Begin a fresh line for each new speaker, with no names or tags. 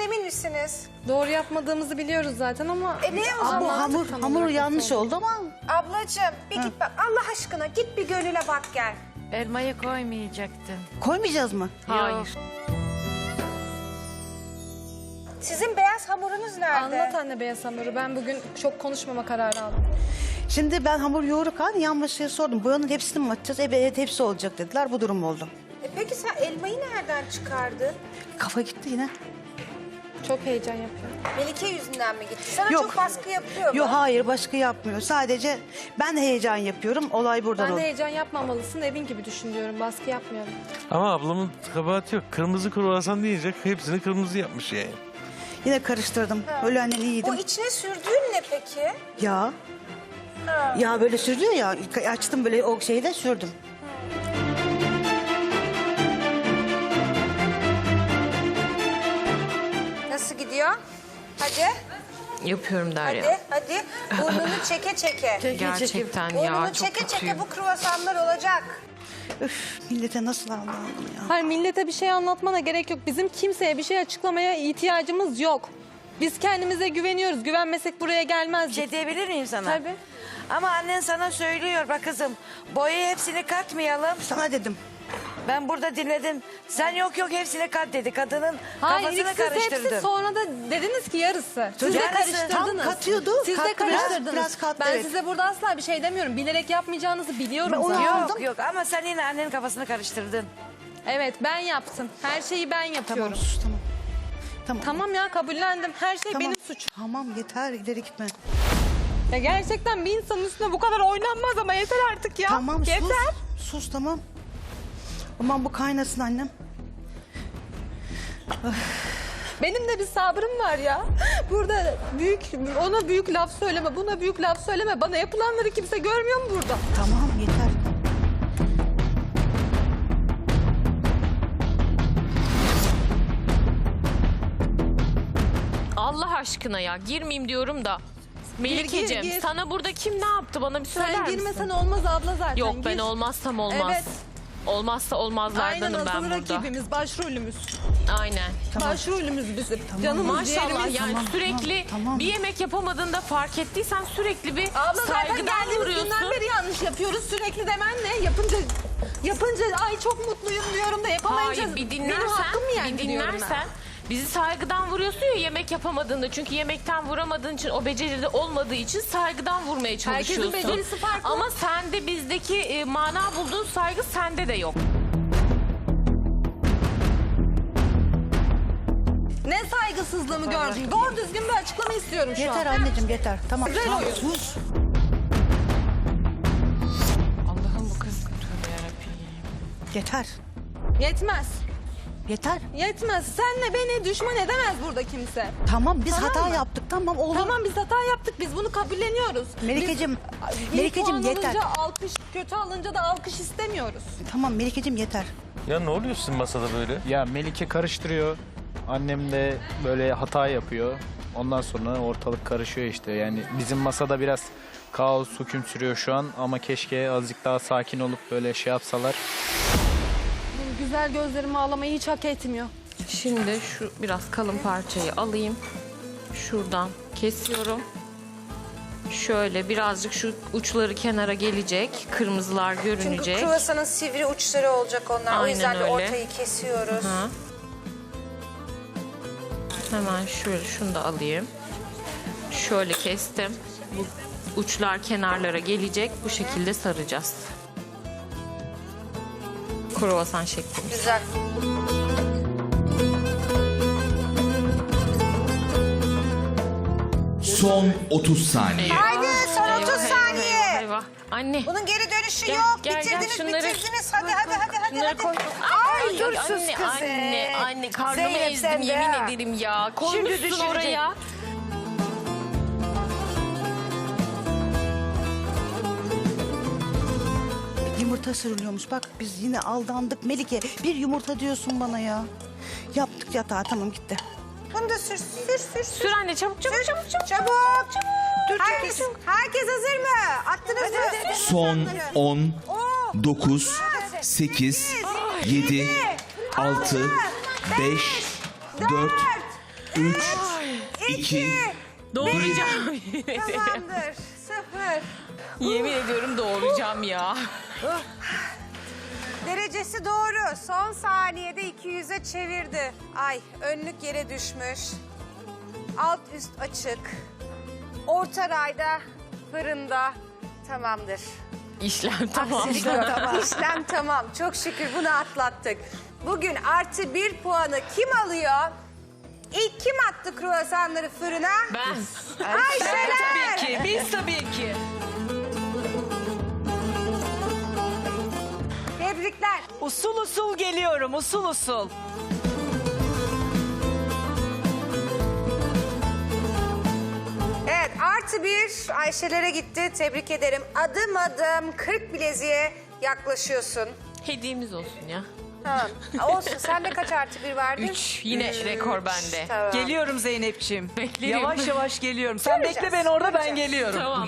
emin misiniz?
Doğru yapmadığımızı biliyoruz zaten ama...
Ne o
Bu
zaman?
hamur yanlış oldu ama
Ablacığım bir git bak. Allah aşkına git bir Gönül'e bak gel.
Elmayı koymayacaktın.
koymayacağız mı?
Hayır.
Sizin beyaz hamurunuz nerede?
Anlat anne beyaz hamuru. Ben bugün çok konuşmama kararı aldım.
Şimdi ben hamur yoğururken yan masaya sordum. Boyanın hepsini mi atacağız? Evet hepsi olacak dediler. Bu durum oldu.
Peki sen elmayı nereden çıkardın?
Kafa gitti yine.
Çok heyecan yapıyorum.
Melike yüzünden mi gitti? Sana
Yok.
çok baskı yapıyor mu?
Yok hayır başka yapmıyor. Sadece ben heyecan yapıyorum. Olay buradan
Ben de
oldu.
heyecan yapmamalısın. Evin gibi düşün diyorum. Baskı yapmıyorum.
Ama ablamın kabahati yok. Kırmızı kruvasan diyecek. Hepsini kırmızı yapmış yani.
Yine karıştırdım. Öyle annen
O
iyiydim.
içine sürdüğün ne peki?
Ya. Ya böyle sürülüyor ya. Açtım böyle o şeyi de sürdüm.
Nasıl gidiyor? Hadi,
Yapıyorum Derya.
hadi. Burnunu çeke çeke.
Gerçekten ya
Burnunu
çok
çeke çeke
kötüyüm.
bu kruvasanlar olacak.
Üf millete nasıl aldandım ya.
Hayır millete bir şey anlatmana gerek yok. Bizim kimseye bir şey açıklamaya ihtiyacımız yok. Biz kendimize güveniyoruz. Güvenmesek buraya
Bir
gelmezdik.
şey diyebilir miyim sana?
Tabii.
Ama annen sana söylüyor bak kızım. Boyayı hepsini katmayalım.
Sana dedim.
Ben burada dinledim. Sen yok hepsini kat dedi. Kadının
Hayır ilk
kafasını
siz hepsi
karıştırdın.
sonra da dediniz ki yarısı. Siz de
Yarısı.
karıştırdınız.
Tam katıyordu.
Siz de
Kattı biraz,
karıştırdınız.
biraz kattı,
Ben
evet.
size burada asla bir şey demiyorum. Bilerek yapmayacağınızı biliyorum
Ben onu
zaten.
aldım.
Yok ama sen yine annenin kafasını karıştırdın.
Evet ben yaptım. Her şeyi ben yapıyorum.
Tamam sus tamam. Tamam.
Tamam ya kabullendim. Her şey
Tamam.
benim suçum.
Tamam yeter ileri gitme.
Ya gerçekten bir insanın üstüne bu kadar oynanmaz ama yeter artık ya.
Tamam
yeter.
sus. Sus tamam. Aman bu kaynasın annem.
Benim de bir sabrım var ya. Burada ona büyük laf söyleme, buna büyük laf söyleme. Bana yapılanları kimse görmüyor mu burada?
Tamam yeter.
Allah aşkına ya girmeyeyim diyorum da. Melikeciğim
gir.
sana burada kim ne yaptı bana bir söyler
Sen
misin?
girmesen olmaz abla zaten.
Yok ben
Gir.
olmazsam olmaz.
Evet.
Olmazsa
Aynen
olmazlardanım ben
asıl
burada.
rakibimiz, başrolümüz.
Aynen.
Başrolümüz bizim. Canımız,
Maşallah
ciğerimiz.
yani sürekli
tamam.
bir yemek yapamadığında fark ettiysen sürekli bir
Abla zaten
saygıdan
geldiğimiz
vuruyorsun.
günden beri yanlış yapıyoruz. Sürekli demen ne? Yapınca ay çok mutluyum diyorum da yapamayınca
Hayır bir
benim
dinlersen,
hakkım mı yani
bir
diyorum ben.
dinlersen bizi saygıdan vuruyorsun ya yemek yapamadığında. Çünkü yemekten vuramadığın için o beceride olmadığı için saygıdan vurmaya çalışıyorsun.
becerisi farklı.
Ama sende bizdeki mana bulduğun saygı sende de yok.
Ne saygısızlığımı gördün? Doğru düzgün bir açıklama istiyorum şu
Yeter
an.
anneciğim yeter. Tamam.
Güzel
tamam
oyun.
sus.
Allah'ım bu kız tövbe yarabbim.
Yeter.
Yetmez.
Yeter.
Yetmez. Senle beni düşman edemez burada kimse.
Tamam biz
Tamam
hata
mı?
yaptık. Tamam olur.
Tamam biz hata yaptık. Biz bunu kabulleniyoruz.
Melikeciğim.
Biz
Melikeciğim
iyi puan
yeter.
alınca alkış, kötü alınca da alkış istemiyoruz.
Tamam Melikeciğim yeter.
Ya ne oluyor sizin masada böyle?
Ya Melike karıştırıyor. Annem de böyle hata yapıyor. Ondan sonra ortalık karışıyor işte. Yani bizim masada biraz kaos, hüküm sürüyor şu an. Ama keşke azıcık daha sakin olup böyle şey yapsalar.
Benim güzel gözlerimi ağlamayı hiç hak etmiyor.
Şimdi şu biraz kalın parçayı alayım. Şuradan kesiyorum. Şöyle birazcık şu uçları kenara gelecek. Kırmızılar
Çünkü
görünecek.
kruvasanın sivri uçları olacak onlar. O
Aynen
yüzden de
öyle.
ortayı kesiyoruz.
Hı. Hemen şöyle şunu da alayım. Şöyle kestim. Bu uçlar kenarlara gelecek. Bu şekilde saracağız. Kruvasan şeklinde.
Güzel.
Son 30 saniye.
Haydi son 30
Eyvah,
saniye.
eyvah, eyvah. Anne.
Bunun geri dönüşü
Gel,
yok.
gel, gel,
bitirdiniz,
şunları-
bitirdiniz. Hadi.
Bunları koy.
Ay, dur sus
anne,
kızım.
anne karnımı
Zeynep,
ezdim
sen de
yemin
ha.
ederim ya.
Şimdi
Koymuşsun
düşürecek.
oraya.
Yumurta sürülüyormuş. Bak biz yine aldandık Melike. Bir yumurta diyorsun bana ya. Yaptık yatağı tamam gitti.
Bunu da sür.
Sür anne çabuk çabuk çabuk çabuk.
Çabuk.
Dur
Herkes hazır mı? Attınız mı?
Son 10, 9, 8, 7, 6, 5, 4, 3, 2,
Doğuracağım.
Tamamdır. 0.
Yemin ediyorum doğuracağım ya.
Derecesi doğru. Son saniyede 200'e çevirdi. Ay, önlük yere düşmüş. Alt üst açık. Orta rayda fırında. Tamamdır.
İşlem tamam.
Aksilik yok. İşlem tamam. Çok şükür bunu atlattık. Bugün +1 puanı kim alıyor? İlk kim attı kruvasanları fırına?
Ben.
Ayşeler.
Tabii ki, biz tabii ki.
Tebrikler.
Usul usul geliyorum, usul usul.
Evet, +1 Ayşelere gitti. Tebrik ederim. Adım adım 40 bileziğe yaklaşıyorsun.
Hediyemiz olsun ya.
Tamam. Olsun. Sende kaç +1 vardı?
3. Yine rekor bende.
Tamam.
Geliyorum Zeynep'ciğim.
Beklerim.
Yavaş yavaş geliyorum. Sen
Göreceğiz,
bekle beni orada, ben
göreceğiz.
geliyorum.
Tamam.